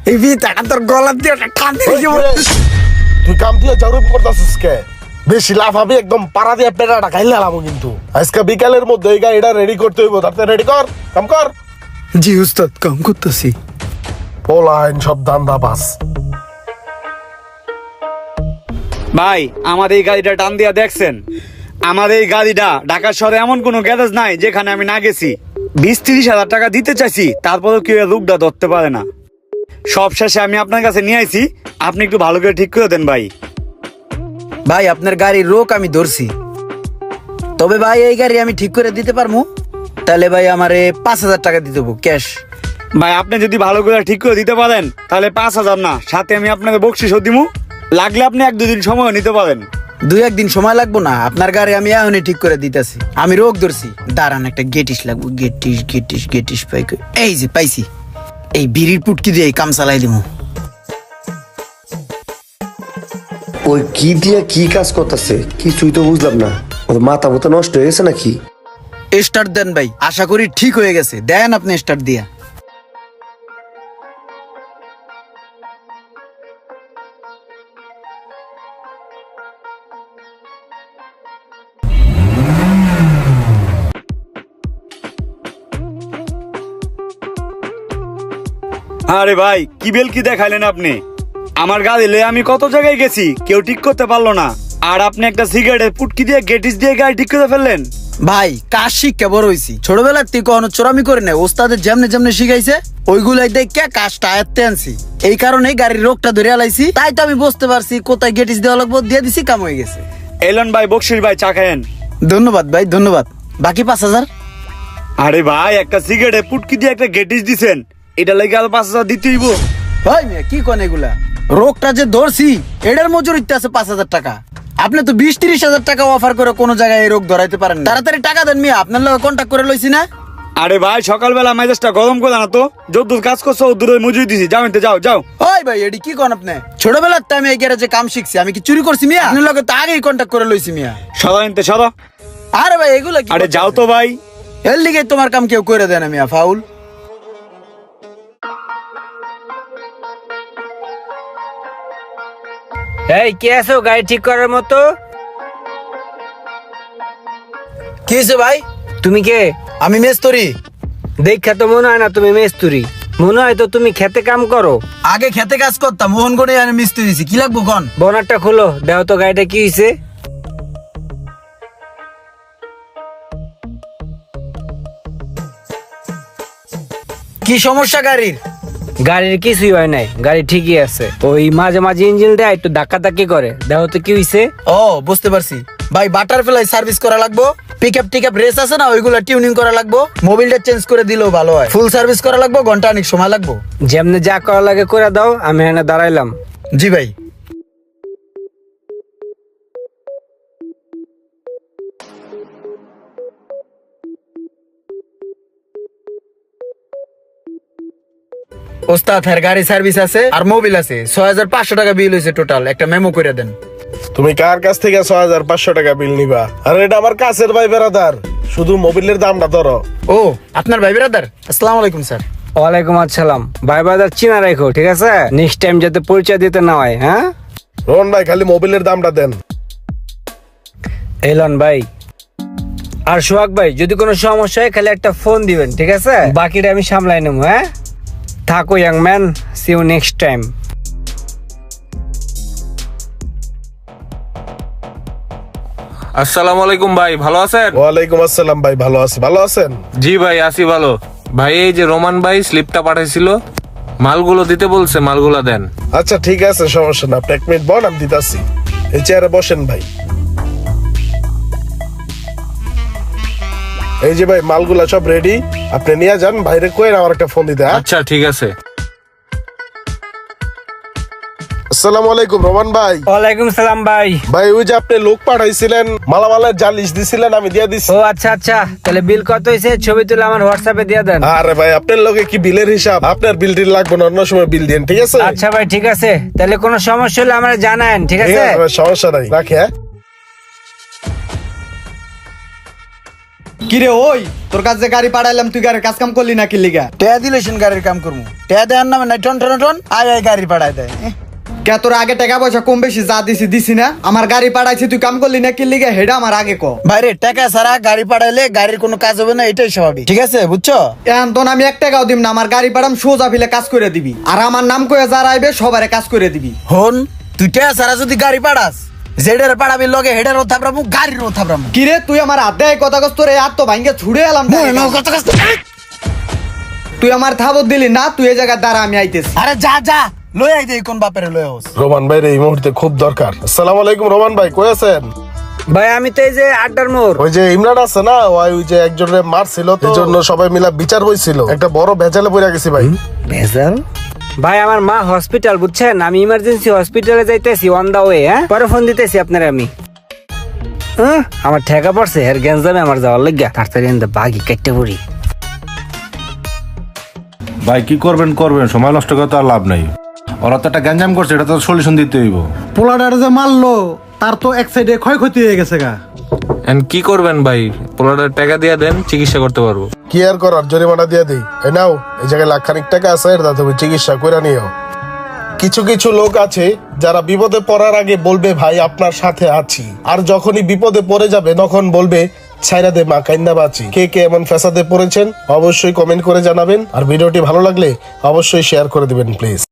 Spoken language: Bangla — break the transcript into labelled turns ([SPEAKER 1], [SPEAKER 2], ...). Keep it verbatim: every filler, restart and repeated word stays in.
[SPEAKER 1] এই বিটাটা তোর গলা দিয়ে টান দিয়ে
[SPEAKER 2] তুই কাম দিয়ে জরুর করতেছিস কে? বেশি লাভ হবে একদম পাড়া দিয়ে পেটাটা খাইলে আলামো কিন্তু। আজকে বিকালের মধ্যে এই গাড়িটা রেডি করতে হইব, তাতে রেডি কর, কাম কর।
[SPEAKER 1] জি উস্তাদ, কাম করতেছি।
[SPEAKER 2] পোলাইন সব দান্দা বাস।
[SPEAKER 3] ভাই আমার এই গাড়িটা টান দিয়া দেখছেন? আমার এই গাড়িটা ঢাকা শহরে এমন কোনো গ্যারেজ নাই যেখানে আমি না গেছি। বিশ তিরিশ হাজার টাকা দিতে চাইছি, তারপরেও কেউ রূপটা ধরতে পারে না। সব শেষে আমি আপনার কাছে নিয়ে আইছি, আপনি একটু ভালো করে ঠিক করে দেন ভাই।
[SPEAKER 1] ভাই আপনার গাড়ির রোক আমি ধরছি, তবে ভাই এই গাড়ি আমি ঠিক করে দিতে পারবো। তাহলে ভাই আমারে পাঁচ হাজার টাকা দিতে হবো ক্যাশ।
[SPEAKER 3] ভাই আপনি যদি ভালো করে ঠিক করে দিতে পারেন তাহলে পাঁচ হাজার না, সাথে আমি আপনাকে বকশিসও দিমু। লাগলে আপনি এক দুদিন সময় নিতে পারেন।
[SPEAKER 1] দুই একদিন সময় লাগবো না, আপনার গাড়ি আমি এখনই ঠিক করে দিতেছি। আমি রোগ ধরছি, দাঁড়ান একটা গেটিস লাগবো। গেটিস গেটিস গেটিস পাই কই? এই যে পাইছি। এই বিড়ির পুটকি দিয়ে কাম চালাই দিমু।
[SPEAKER 4] ওই কি দিয়া কি কাজ করতেছে কিছুই তো বুঝলাম না। ওর মাথা মতো নষ্ট হয়ে গেছে নাকি?
[SPEAKER 1] স্টার্ট দেন ভাই, আশা করি ঠিক হয়ে গেছে। দেন আপনি স্টার্ট দিয়া।
[SPEAKER 3] আরে ভাই কি বেল কি দেখাইলেন আপনি? আমার গাড়ি লয়ে আমি কত জায়গায় গেছি, কেউ ঠিক করতে পারলো না, আর আপনি একটা সিগারেটের পুটকি দিয়ে গেটিস দিয়ে গাড়ি ঠিক করে ফেললেন।
[SPEAKER 1] ভাই কাজ শিক্ষা বড় হইছি, ছোটবেলার থেকে কখনো চোরামি করে নেই। ওস্তাদের যেমনে যেমনে শিখাইছে ওইগুলাই দেখে কাজটা আয়ত্তে আনছি। এই কারণে গাড়ির রোগটা ধরে আলাইছি, তাই তো আমি বুঝতে পারছি কোথায় গেটিস দেওয়া লাগবো, দিয়ে দিছি, কাম হয়ে গেছে।
[SPEAKER 3] এলন ভাই, বকশিস ভাই, চা খায়েন।
[SPEAKER 1] ধন্যবাদ ভাই, ধন্যবাদ। বাকি পাঁচ হাজার?
[SPEAKER 3] আরে ভাই একটা সিগারেটের পুটকি দিয়ে একটা গেটিস দিছেন, এটা লাগে আর পাঁচ হাজার দিতে হইব?
[SPEAKER 1] ভাই মিয়া কি কোন এগুলা? রোগটা যে ধরছি এটার মজুরিতে আছে পাঁচ হাজার টাকা। আপনি তো বিশ তিরিশ হাজার টাকা অফার করে কোনো জায়গায় এই রোগ ধরাইতে পারেন না। তাড়াতাড়ি টাকা দেন মিয়া, আপনার লগে কন্ট্যাক্ট করে লইছি না।
[SPEAKER 3] আরে ভাই সকালবেলা মেজাজটা গরম করে না তো, যদ্দূর কাজ করছো দূরে মজুরি দিছি, যাও এনতে যাও যাও।
[SPEAKER 1] ওই ভাই এডি কি কোন আপনি? ছোটবেলার তো আমি এই গ্যারেজে কাম শিখছি, আমি কি চুরি করছি মিয়া? আপনার লগে তো আগেই কন্ট্যাক্ট করে লইছি মিয়া।
[SPEAKER 3] সদা এনতে সদা।
[SPEAKER 1] আরে ভাই এগুলা কি?
[SPEAKER 3] আরে যাও তো ভাই।
[SPEAKER 1] এর লিগে তোমার কাম কেউ করে দেয় না মিয়া, ফাউল।
[SPEAKER 5] এই কে আছো গাড়ি ঠিক করার মতো?
[SPEAKER 1] কি হয়েছে ভাই?
[SPEAKER 5] তুমি কে?
[SPEAKER 1] আমি মেস্তরি।
[SPEAKER 5] দেখা তো মনে হয় না তুমি মেস্তুরি, মনে হয় তো তুমি খেতে কাম করো।
[SPEAKER 1] আগে খেতে কাজ করতাম, মোহনগড়ে আমি মিস্ত্রি দিছি। কি লাগবো কোন?
[SPEAKER 5] বনারটা খুলো, দেও তো গাড়িটা কি হয়েছে।
[SPEAKER 1] কি সমস্যা গাড়ির?
[SPEAKER 5] গাড়ির কিছুই হয় নাই, গাড়ি ঠিকই আছে। ওই মাঝে মাঝে ইঞ্জিন দেয় একটু ধাক্কা ধাক্কি করে, দেও তো কি হয়েছে।
[SPEAKER 1] ও বুঝতে পারছি ভাই, বাটারফ্লাই সার্ভিস করা লাগবো। পিকআপ টিকআপ রেস আছে না, ওইগুলা টিউনিং করা লাগবো। মোবিলটা চেঞ্জ করে দিলেও ভালো হয়। ফুল সার্ভিস করা লাগবো, ঘন্টা অনেক সময় লাগবো।
[SPEAKER 5] যেমনি যা করা লাগে করে দাও, আমি এখানে দাঁড়াইলাম।
[SPEAKER 1] জি ভাই। ওস্তাদ হ্যার গাড়ি সার্ভিস আছে আর মোবিল আছে। ছয় হাজার পাঁচশো টাকা বিল হয়েছে টোটাল। একটা মেমো করে দেন।
[SPEAKER 2] তুমি কার কাছ থেকে ছয় হাজার পাঁচশো টাকা বিল নিবা? আর এটা আমার কাছের ভাই বেড়াদার, শুধু মোবিলের দামটা ধরো।
[SPEAKER 1] ও আপনার ভাই ব্রাদার? আসসালামু আলাইকুম স্যার।
[SPEAKER 5] ওয়ালাইকুম আসসালাম। ভাই বাজার চিনা রাখো, ঠিক আছে? নেক্সট টাইম যাতে পরিচয় দিতে না হয়। হ্যাঁ
[SPEAKER 2] রোহন ভাই, খালি মোবিলের দামটা দেন।
[SPEAKER 5] এলন ভাই আর সোহাগ ভাই, যদি কোনো সমস্যা হয় খালি একটা ফোন দিবেন, ঠিক আছে? বাকিটা আমি সামলাই নেবো। হ্যাঁ থাকো young man, see you next time.
[SPEAKER 6] আসসালামু আলাইকুম ভাই, ভালো আছেন?
[SPEAKER 2] ওয়ালাইকুম আসসালাম ভাই, ভালো আছি। ভালো আছেন?
[SPEAKER 6] জি ভাই আছি ভালো। ভাই এই যে রোমান ভাই স্লিপটা পাঠাইছিল, মালগুলো দিতে বলছে, মালগুলো দেন।
[SPEAKER 2] আচ্ছা ঠিক আছে, সমস্যা না। আপনি এক মিনিট বল, আমি দিতাছি। এই চেয়ারে বসেন ভাই। এই যে ভাই মালগুলা সব রেডি, আপনি নিয়ে যান। বাইরে কই আমার একটা ফোন দিতে। হ্যাঁ?
[SPEAKER 6] আচ্ছা ঠিক আছে।
[SPEAKER 2] আসসালামু আলাইকুম রোমান ভাই।
[SPEAKER 5] ওয়ালাইকুম সালাম ভাই।
[SPEAKER 2] ভাই ওই যে আপনি লোক পাঠাইছিলেন, মালামালের জালিশ দিছিলেন, আমি দিয়ে দিছি।
[SPEAKER 5] ও আচ্ছা আচ্ছা, তাহলে বিল কত হয়েছে ছবি তুলে আমার হোয়াটসঅ্যাপে দিয়ে দেন।
[SPEAKER 2] আরে ভাই আপনার লগে কি বিলের হিসাব? আপনার বিল টিল লাগবে না, অন্য সময় বিল দিন, ঠিক আছে?
[SPEAKER 5] আচ্ছা ভাই ঠিক আছে, তাহলে কোনো সমস্যা হলে আমার জানান, ঠিক
[SPEAKER 2] ঠিক
[SPEAKER 5] আছে?
[SPEAKER 2] আছে ভাই, সমস্যা নাই, রাখি। হ্যাঁ
[SPEAKER 7] কিরে ওই তোর কাছে যে গাড়ি পাঠাইলাম তুই গাড়ির কাজ কাম করলি না কি লিগা?
[SPEAKER 1] টেয়া দিলে সেন গাড়ির কাম করবো, টেয়া দেওয়ার নামে নাই টন টন টন আয় আয় গাড়ি পাঠায় দেয়। এহ,
[SPEAKER 7] কে তোর আগে টাকা পয়সা কম বেশি যা দিছি দিছি না? আমার গাড়ি পাঠাইছি তুই কাম করলি না কি লিগা হেডা আমার আগে ক।
[SPEAKER 1] বাইরে টাকা ছাড়া গাড়ি পাঠাইলে গাড়ির কোনো কাজ হবে না, এটাই স্বাভাবিক, ঠিক আছে বুঝছো?
[SPEAKER 7] এখন তো আমি এক টাকাও দিব না, আমার গাড়ি পাঠাম সোজা ফিলে কাজ করে দিবি, আর আমার নাম কয়ে যারা আইবে সবারে কাজ করে দিবি।
[SPEAKER 1] হন তুই টেয়া ছাড়া যদি গাড়ি পাঠাস, জেডের পাঠাবি লগে হেডেরও থাপড়ামু গাড়িরও থাপড়ামু।
[SPEAKER 7] কিরে তুই আমার হাত দেয় কথা কস, তোর এই হাত তো ভাঙ্গে ছুড়ে এলাম।
[SPEAKER 1] মনে নাও কত কষ্ট।
[SPEAKER 7] তুই আমার থাবত দিলি না, তুই এই জায়গায় দাঁড়া আমি আইতেছি।
[SPEAKER 1] আরে যা যা লই আই দেই কোন বাপের লই হোস।
[SPEAKER 2] রোমান ভাই এই মুহূর্তে খুব দরকার। আসসালামু আলাইকুম রোমান ভাই, কই আছেন?
[SPEAKER 5] ভাই আমি তো এই যে আড্ডার মোড়।
[SPEAKER 2] ওই যে ইমরান আছে না, ওই ওই যে একজনের মারছিল, তো এই জন্য সবাই মিলা বিচার বইছিল, একটা বড় ভেজালে পড়ে গেছি ভাই।
[SPEAKER 5] ভেজাল? ভাই আমার মা হসপিটাল বুঝছেন, আমি ইমার্জেন্সি হসপিটালে যাইতেছি অন দা ওয়ে। হ্যাঁ পরে ফোন দিতেছি আপনারা আমি। হ্যাঁ আমার ঠেকা পড়ছে এর গ্যাঞ্জামে আমার যাওয়ার লাগিয়া, তাড়াতাড়ি এনে বাগি কেটে পড়ি।
[SPEAKER 8] ভাই কি করবেন করবেন, সময় নষ্ট করে তো আর লাভ নাই। ওরা তো একটা গ্যাঞ্জাম করছে, এটা তো সলিউশন দিতে হইব।
[SPEAKER 9] পোলাডার যে মারলো তার তো এক সাইডে ক্ষয়ক্ষতি হয়ে গেছে গা।
[SPEAKER 6] এন্ড কি করবেন ভাই, পোলাটার টাকা দিয়ে দেন, চিকিৎসা করতে পারবো।
[SPEAKER 2] কি আর করার, জরিমানা দিয়ে দিই। এই নাও, এই জায়গায় লাখ খানিক টাকা আছে, এটা তুমি চিকিৎসা করে নিও। কিছু কিছু লোক আছে যারা বিপদে পড়ার আগে বলবে ভাই আপনার সাথে আছি, আর যখনই বিপদে পড়ে যাবে তখন বলবে ছাইরা দে মা কাইন্দা বাঁচি। কে কে এমন ফ্যাসাদে পড়েছেন অবশ্যই কমেন্ট করে জানাবেন, আর ভিডিওটি ভালো লাগলে অবশ্যই শেয়ার করে দিবেন প্লিজ।